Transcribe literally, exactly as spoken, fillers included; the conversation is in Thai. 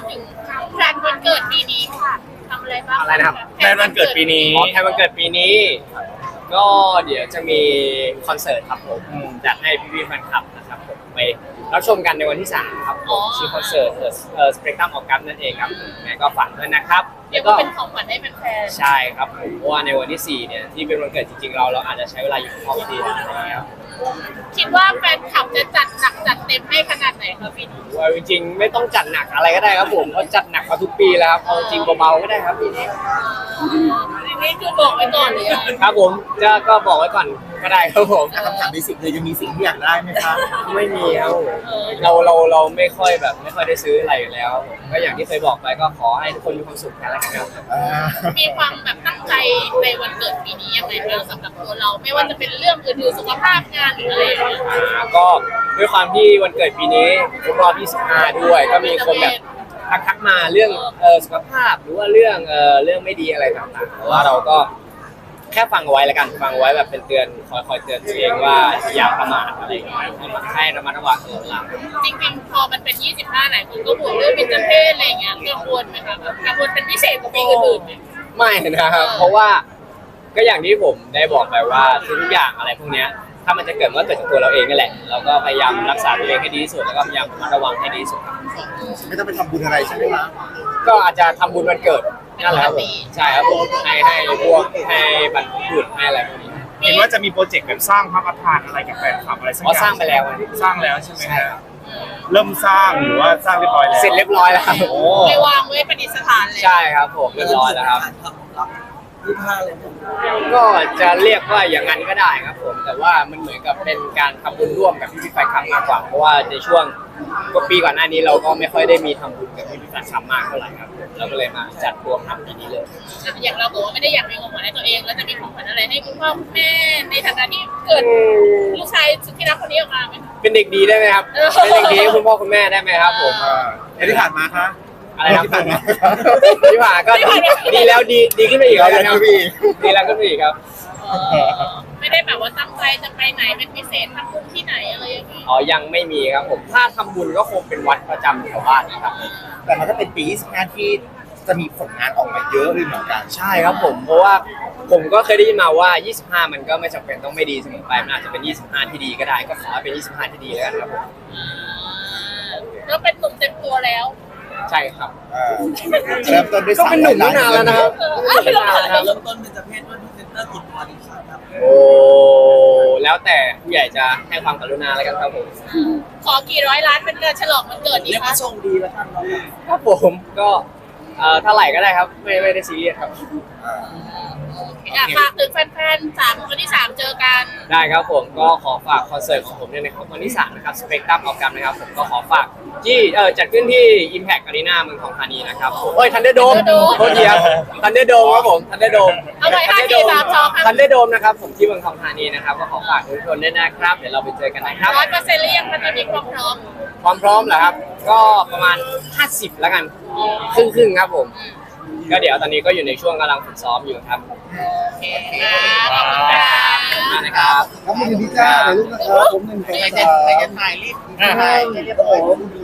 ถึงแพลนวันเกิดปีนี้ค่ะทำอะไรบ้างอะไรนะครับแพลนวันเกิดปีนี้อ๋อแทนวันเกิดปีนี้ ก็เดี๋ยวจะมีคอนเสิร์ตครับผมจัดให้พี่ๆแฟนคลับนะครับผมไปรับชมกันในวันที่สามครับผมชื่อคอนเสิร์ตเอ่อสเปกตรัมออกัสนั่นเองครับยังไงก็ฝากด้วยนะครับเรียแล้กวก็ว่าเป็นของขวัญให้แฟนใช่ครับผมเพราะว่าในวันที่สี่เนี่ยที่เป็นวันเกิดจริงๆเราเราอาจจะใช้เวลาอยู่กับครอบครัวอะไรอย่างเงี้ยครับๆคิดว่าแฟนคลับจะจัดหนักจัดเต็มให้ขนาดไหนคะปีนี้ว่าจริงๆไม่ต้องจัดหนักอะไรก็ได้ครับผมเพราะจัดหนักมาทุกปีแล้วครับเอาจริงเบาๆก็ได้ครับปีนี้นี่คือบอกไว้ก่อนเลยอะครับผมจะก็บอกไว้ก่อนก็ได้ครับผมคำถามเบสิกเลยยังมีสิ่งที่อยากได้ไหมครับไม่มีครับผมเราเราเราไม่ค่อยแบบไม่ค่อยได้ซื้ออะไรอยู่แล้วครับผมก็อย่างที่เคยบอกไปก็ขอให้ทุกคนมีความสุขแค่นั้นครับมีความแบบตั้งใจในวันเกิดปีนี้ยังไงบ้างสำหรับตัวเรา ไม่ว่าจะเป็นเรื่องอื่นๆสุขภาพงานหรืออะไรอย่างเงี้ยอ่าก็ด้วยความที่วันเกิดปีนี้ครบรอบยี่สิบห้าด้วย ก็มีคนแบบทักทักมาเรื่องเอ่อสุขภาพหรือว่าเรื่องเอ่อเรื่องไม่ดีอะไรต่างๆแต่ว่าเราก็แค่ฟังเอาไว้แล้วกันฟังเอาไว้แบบเป็นเตือนคอยคอยเตือนตัวเองว่าอย่าประมาทอะไรอย่างเงี้ยให้ระมัดระวังตลอดเวลาจริงๆพอมันเป็นยี่สิบห้าไหนคนก็ห่วงเรื่องเบญจเพศอะไรอย่างเงี้ยกังวลไหมคะแบบกังวลเป็นพิเศษกว่าปีอื่นๆไหมไม่นะครับ เพราะว่าก็อย่างที่ผมได้บอกไปว่าทุกอย่างอะไรพวกเนี้ยถ้ามันจะเกิดมันก็เกิดจากตัวเราเองนั่นแหละเราก็พยายามรักษาตัวเองให้ดีที่สุดแล้วก็พยายามระมัดระวังให้ดีที่สุดครับไม่ต้องไปทำบุญอะไรใช่ไหมครับก็อาจจะทำบุญวันเกิดนั่นแหละครับผมใช่ครับผมให้ให้พวกให้บรรพบุรุษให้อะไรพวกนี้เห็นว่าจะมีโปรเจกต์แบบสร้างพระประธานอะไรกับแฟนคลับอะไรสักออ๋อย่าง สร้างไปแล้วอะสร้างแล้วใช่ไหมฮะเริ่มสร้างหรือว่าสร้างเรียบร้อยแล้วเสร็จเรียบร้อยแล้วครับโอ้ไปวางไว้ประดิษฐานเลยใช่ครับผมเรียบร้อยแล้วครับยี่ห้าเลยก็จะเรียกว่าอย่างนั้นก็ได้ครับผมแต่ว่ามันเหมือนกับเป็นการทำบุญร่วมกับพี่พี่ๆแฟนคลับมากกว่าเพราะว่าในช่วงก็ปีก่อนหน้านี้เราก็ไม่ค่อยได้มีทำบุญกับพี่พี่ๆแฟนคลับมากเท่าไหร่ครับเราก็เลยมาจัดรวมทำปีนี้เลยอย่างเราบอกว่าไม่ได้อยากมีของขวัญให้ตัวเอง แล้วจะมีของขวัญอะไรให้คุณพ่อคุณแม่ในฐานะที่เกิดลูกชายสุดที่รักคนนี้ออกมาไหมคะเป็นเด็กดีได้ไหมครับเออเป็นเด็กดีให้คุณพ่อคุณแม่ได้ไหมครับผมอ่าแล้วที่ผ่านมาคะอะไรครับที่ผ่านมาที่ผ่านก็ดีแล้วดีดีขึ้นไปอีกครับดีแล้วขึ้นไปอีกดีแล้วขึ้นไปอีกครับเออไม่ได้แบบว่าตั้งใจจะไปไหนเป็นพิเศษทำบุญที่ไหนอะไรอย่างนี้อ๋อยังไม่มีครับผมถ้าทำบุญก็คงเป็นวัดประจำแถวบ้านนะครับแต่มันก็เป็นปียี่สิบห้าที่จะมีผลงานออกมาเยอะเลยเหมือนกันใช่ครับผมเพราะว่าผมก็เคยได้ยินมาว่า ยี่สิบห้า มันก็ไม่จำเป็นต้องไม่ดีเสมอไปมันอาจจะเป็น ยี่สิบห้า ที่ดีก็ได้ก็ขอให้เป็น ยี่สิบห้า ที่ดีแล้วกันครับผมอ่าแล้วเป็นหนุ่มเต็มตัวแล้วใช่ครับอ่าเริ่มต้นด้วยก็เป็นหนุ่มตั้งนานแล้วนะครับเออเป็นนานแล้วนะครับเริ่มต้นเป็นจะเพศด้วยพรีเซนเตอร์กี่ตัวดีครับโอ้แล้วแต่ผู้ใหญ่จะให้ความกรุณาแล้วกันครับผมขอกี่ร้อยล้านเป็นการฉลองวันเกิดดีเรียกคะว่าโชคดีแล้วกันเนาะครับผมก็เอ่อเท่าไหร่ก็ได้ครับไม่ไม่ได้ซีเรียสครับอ่าอ่ะฝากถึงแฟนๆสามคนที่สามเจอกันได้ครับผมก็ขอฝากคอนเสิร์ตของผมเนี่ยนะครับวันที่สามนะครับสเปกตรัมออกกันนะครับผมก็ขอฝากที่เออจัดขึ้นที่ Impact Arena เมืองทองธานีนะครับผมเอ้ยทันเดอร์โดม Thunderdome โทษทีครับทันเดอร์โดมครับผมทันเดอร์โดมเอาไว้ห้าสี่สามสองครับทันเดอร์โดมนะครับผมที่เมืองทองธานีนะครับก็ขอฝากทุกคนด้วยนะครับเดี๋ยวเราไปเจอกันนะครับร้อยเปอร์เซ็นต์หรือยังมันจะมีความพร้อมความพร้อมเหรอครับ ก็ประมาณห้าสิบแล้วกันครึ่งครึ่งๆครับผมก็เดี๋ยวตอนนี้ก็อยู่ในช่วงกำลังฝึกซ้อมอยู่ครับโอเคครับขอบคุณครับขอบคุณนะครับครับคุณพิจ้าเดี๋ยวลูกนะครับผมหนึ่งใครสองจะสามใครจะถ่ายรีบถ่ายให้เรียบร้อย